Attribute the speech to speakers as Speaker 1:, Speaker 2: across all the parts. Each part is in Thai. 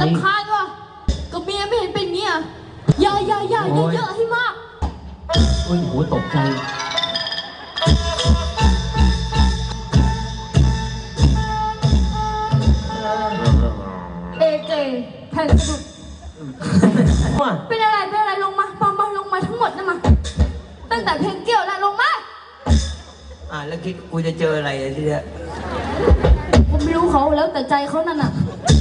Speaker 1: รำคาญว่ะกับเมียไม่เห็นเป็นเงี้ยอย่าเยอะให้มาก
Speaker 2: โอ้ยโหตกใจ
Speaker 1: เอเจแผ่นสะดุดเป็นอะไรลงมาลงมาทั้งหมดนะมาตั้งแต่เพลงเกี่ยวแล้วลงมา
Speaker 3: แล้วคิดกูจะเจออะไรทีเนี้ย
Speaker 1: ผมไม่รู้เขาแล้วแต่ใจเขานั่นน่ะ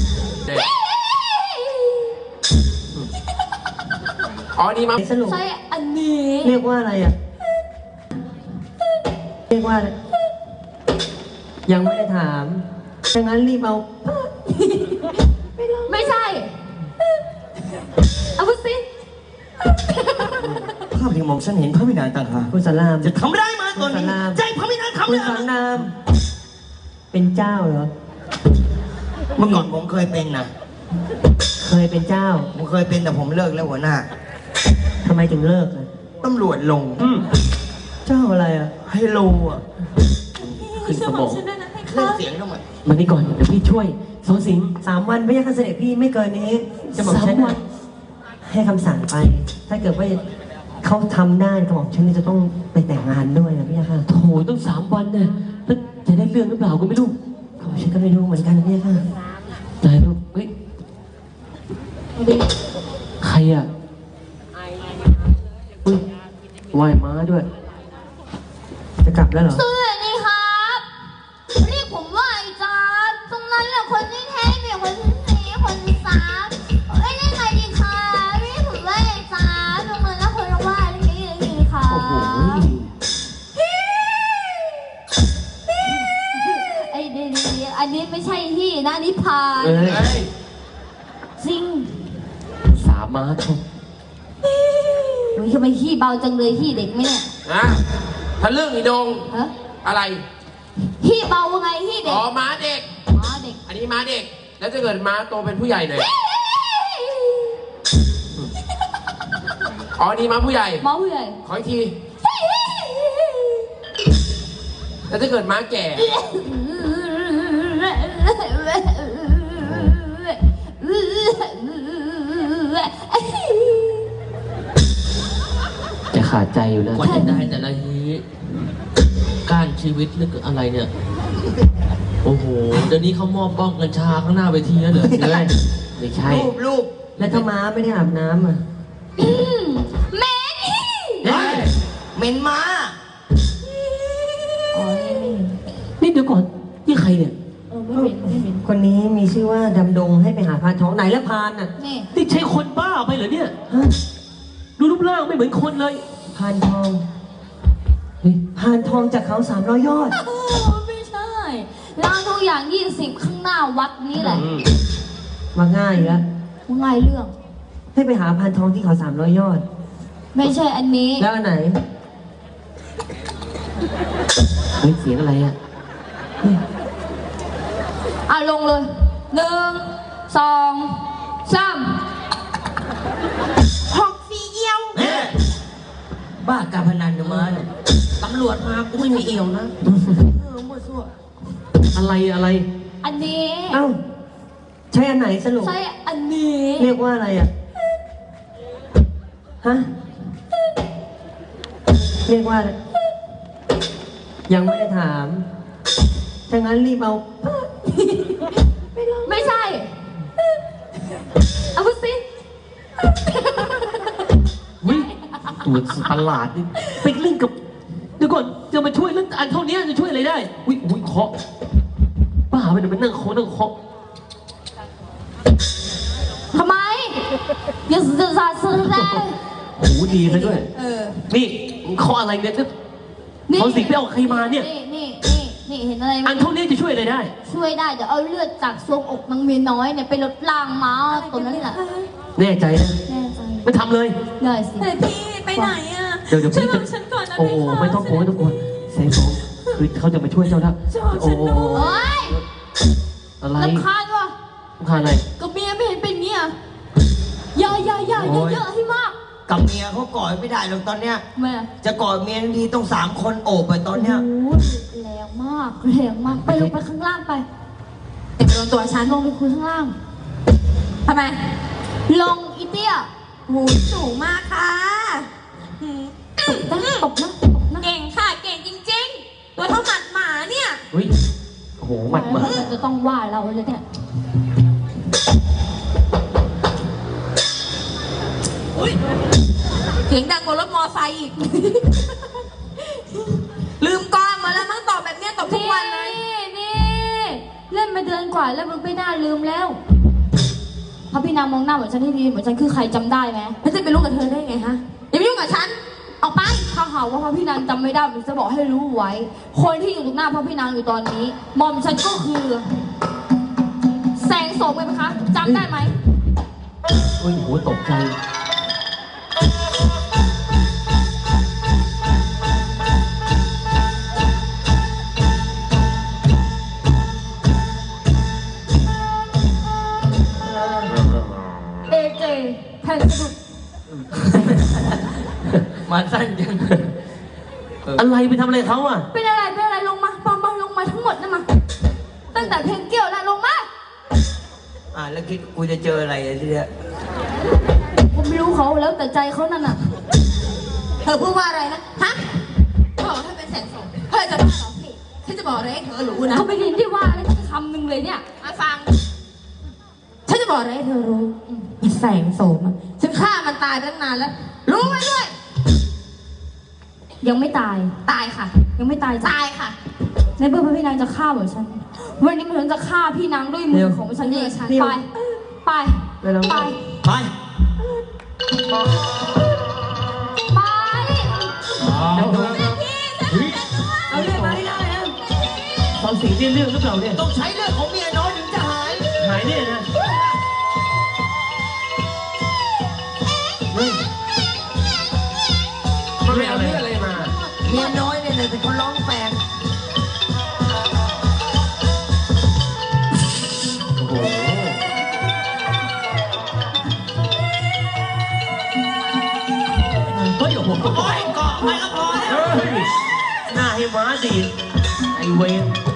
Speaker 2: นี่มา
Speaker 1: ใช่อันนี้
Speaker 4: เรียกว่าอะไรอ่ะเรียกว่าอะไรยังไม่ได้ถามดังนั้นรีบเอา
Speaker 1: ไม่ใช่เอาพูดสิ
Speaker 3: ภาพที่มองฉันเห็นพระวินานต่างหาก
Speaker 4: คุณสาราม
Speaker 3: จะทำได้มาตอนนี้ใจพระวินานทำได้
Speaker 4: คุณสารามเป็นเจ้าเหรอ
Speaker 3: เมื่อก่อนผมเคยเป็นนะ
Speaker 4: เคยเป็นเจ้า
Speaker 3: ผมเคยเป็นแต่ผมเลิกแล้วหัวหน้า
Speaker 4: ทำไมถึงเลิกอ่ะ
Speaker 3: ตำรวจลง
Speaker 4: เจ้าอะไรอ่ะ
Speaker 3: ไฮโลอ่ะ
Speaker 2: ขึ้นสมอง
Speaker 3: เล่นเสียงทำไม
Speaker 4: มันนี่ก่อนเดี๋ยวพี่ช่วยสองสิง3 วันไม่ใช่การเสด็จพี่ไม่เกินนี้จะบอกฉันให้คำสั่งไปถ้าเกิดว่าเขาทำได้ก็บอกฉันจะต้องไปแต่งงานด้วยนะพี่ค่ะ
Speaker 2: โถต้อง3 วันเนี่ยจะได้เรื่องหรือเปล่าก็ไม่รู้
Speaker 4: ฉันก็ไม่รู้เหมือนกันพี่ค่ะ
Speaker 2: ตายลูกเฮ้ยใครอ่ะอุ้ยว่ายม้าด้วย
Speaker 4: จะกลับแล้วเหรอ
Speaker 1: สวัสดีครับเรียกผมว่าไอ้จ๊าตรงนั้นแหละคนที่แท้เมียคนที่สี่คนที่สามเอ้ยได้ไงดีคะเรียกผมว่าไอ้จ๊าตรงนั้นแล้วคนละว่าอะไรนี้เลยดีค่ะ
Speaker 2: โอ้โห
Speaker 1: ไอ้เดี๋ยวอันนี้ไม่ใช่ที่นะนิพานจริง
Speaker 2: 3 ม้าชม
Speaker 1: ทำไมขี้เบาจังเลยขี้เด็กไหมเนี่ย
Speaker 2: ถ้าเรื่องอีดงอะไร
Speaker 1: ขี้เบาไงขี้เด็ก
Speaker 2: ม้าเด็กอันนี้ม้าเด็กแล้วจะเกิดม้าโตเป็นผู้ใหญ่หน่อยนี่ม้าผู้ใหญ่ขออีกทีแล้วจะเกิดม้าแก่จะขาดใจอยู่นะ
Speaker 3: กว่าจะได้แต่ละทีการชีวิตหรืออะไรเนี่ยโอ้โหเดี๋ยวนี้เขามอบบ้องกัญชาข้างหน้าเวทีแล้วเหรอ
Speaker 2: ไม่ใช่
Speaker 3: รูป
Speaker 4: แล้วถ้าม้าไม่ได้อาบน้ำอ่ะ
Speaker 1: เหม็น
Speaker 3: เหม็นม้า
Speaker 2: นี่เดี๋ยวก่อนนี่ใครเนี่ย
Speaker 1: ไม่เหม็น
Speaker 4: คนนี้มีชื่อว่าดำดงให้ไปหาพานทองไหนแล้วพานอ่ะ
Speaker 2: นี่ใช่คนบ้าไปเหรอเนี่ยดูรูปร่างไม่เหมือนคนเลย
Speaker 4: พานทองพานทองจากเขา300 ยอด
Speaker 1: ไม่ใช่ร้านทุกอย่าง20ข้างหน้าวัดนี้แหละ
Speaker 4: มาง่ายอยู่แล้ว
Speaker 1: ง่ายเรื่อง
Speaker 4: ให้ไปหาพานทองที่เขา300 ยอด
Speaker 1: ไม่ใช่อันนี้
Speaker 4: แล้วอันไหน
Speaker 2: เฮ้ยเสียงอะไรอ่ะ
Speaker 1: ลงเลย1 2 3หอกสีเอี่ยว
Speaker 3: บ้าการพนันจะมาเนี่ยตำรวจมากูไม่มีเอี่ยวนะมั่วซั่ว
Speaker 2: อะไร
Speaker 1: อันนี้
Speaker 4: เอ้าใช่อันไหนสรุป
Speaker 1: ใช่อันนี้
Speaker 4: เรียกว่าอะไรอ่ะฮะเรียกว่าอะไรยังไม่ได้ถามถ้างั้นรีบเอา
Speaker 1: ไม่ใช่เอาพูดสิ
Speaker 2: ตัวประหลาดนี่ไปเล่นกับเดี๋ยวก่อนจะมาช่วยเรื่องอันเท่านี้จะช่วยอะไรได้อุ้ยเคาะบ้าไปเดี๋ยวมันนั่งเคาะ
Speaker 1: ทำไมอย่าสื่อสารสื่อได้
Speaker 2: โอ้โหดีซะด้วยนี่เคาะอะไรเนี่ยเขาสิไปเอาใครมาเนี่ย
Speaker 1: นี่เห็นอะไรไหม
Speaker 2: อันเท่านี้จะช่วยอะไรได้
Speaker 1: ช่วยได้เดี๋ยวเอาเลือดจากทรวงอกนางเมียน้อยเนี่ยไปลดล้างม้าตัวนั้นแหละ
Speaker 2: แน่ใจนะ
Speaker 1: แน่ใจ
Speaker 2: ไม่ทำเลย
Speaker 1: ได้สิ
Speaker 5: แต่พี่ไปไหนอ่ะ
Speaker 2: เดี๋ยวพี่จะ
Speaker 5: ฉันก่อนนะ
Speaker 2: โอ้ไม่ต้องกลัวแสงสองคือเขาจะมาช่วยเจ้าแล้ว
Speaker 1: โอ้ย
Speaker 2: อะไร
Speaker 1: รำคาญว่ะ
Speaker 2: รำคาญอะไร
Speaker 1: กับเมียไม่เห็นเป็นเงี้ยอย่าเยอะให้มาก
Speaker 3: กับเมียเขากอดไม่ได้หรอกตอนเนี้ยจะกอดเมียทันทีต้อง3 คนโอบไปตอนเนี้ย
Speaker 1: แรงมากไปลงไปข้างล่างไปเด็กโดนตัวฉันลงไปคุยข้างล่าง
Speaker 5: ทำไม
Speaker 1: ลงอีเตี้ย
Speaker 5: หูสูงมากค่ะหืม
Speaker 1: ตบนะตบนะ
Speaker 5: เก่งค่ะ เก่งจริงๆ ตัวเท่าหมัดหมาเนี่ย
Speaker 2: อุ้ยโอ้โหหมัดมา
Speaker 1: มันจะต้องว่าเราเลยเนี่ย
Speaker 5: เสียงดังกว่ารถมอไซค์อีก ลืมกองมาแล้วมั้งตอบแบบเนี้ยตอบทุกวันเลย
Speaker 1: นี่เล่นมาเดือนกว่าแล้วมึงไม่น่าลืมแล้วพระพี่นางมองหน้าเหมือนฉันให้ดีเหมือนฉันคือใครจำได้ไหม
Speaker 5: แล้วจะไปรู้กับเธอได้ไงฮะ อย่าไปยุ่งกับฉัน
Speaker 1: ออกไปถ้าหากว่าพระพี่นางจำไม่ได้ผมจะบอกให้รู้ไว้ คนที่อยู่ตรงหน้าพระพี่นางอยู่ตอนนี้หม่อมฉันก็คือ แสงโสมไงไหมคะจำได้ไหม
Speaker 2: อุ้ยโหตกใจ
Speaker 1: เอเจแผ่นสะดุด
Speaker 3: มาสั้นจัง
Speaker 2: อะไรไปทำอะไรเขาอ่ะ
Speaker 1: เป็นอะไรลงมาปอมลงมาทั้งหมดนะมาตั้งแต่เพลงเกี่ยวแล้วลงมา
Speaker 6: แล้วคิดกูจะเจออะไรทีเนี้ย
Speaker 1: ผมไม่รู้เขาแล้วแต่ใจเขานั่นน่ะ
Speaker 5: เธอพูดว่าอะไรนะ ฮะเธอบอกถ้าเป็นแสงโสมเธอจะบ้าเหรอพี่ฉันจะบอกอะไรให้เธอรู้นะ
Speaker 1: เขาไม่ยินที่ว่าอะไรสักคำหนึ่งเลยเนี่ย
Speaker 5: มาฟัง ฉันจะบอกอะไรให้เธอรู้อีแสงโสมอะฉันฆ่ามันตายตั้งนานแล้ว รู้ไว้ด้วย
Speaker 1: ยังไม่ตาย
Speaker 5: ตายค่ะ
Speaker 1: ยังไม่ตายจ้ะ
Speaker 5: ตายค่ะ
Speaker 1: ในเมื่อพระพี่นางจะฆ่าเหมือนฉัน วันนี้มันจะฆ่าพี่นางด้วยมือของฉันเองไปไปไปไป
Speaker 6: ไป
Speaker 4: เอาเรื่องมาให้ได้นะ
Speaker 2: ตอนสิงที่เรื่องหรือเปล่าเนี่ย
Speaker 6: ต้องใช้เรื่องของเมียน้อยถึงจะหาย
Speaker 2: หายเนี่ยนะเฮ้ย
Speaker 6: มันไม่เอาเรื่องอะไรมา เมียน้อยเนี่ยแต่เขาร้องแปลก
Speaker 2: โอ้โหเฮ้ยโอ้โห
Speaker 6: โอ้ยเกาะไปก็พอแล้ว
Speaker 2: เฮ้ยหน้าให้ม้าดีดไอเวน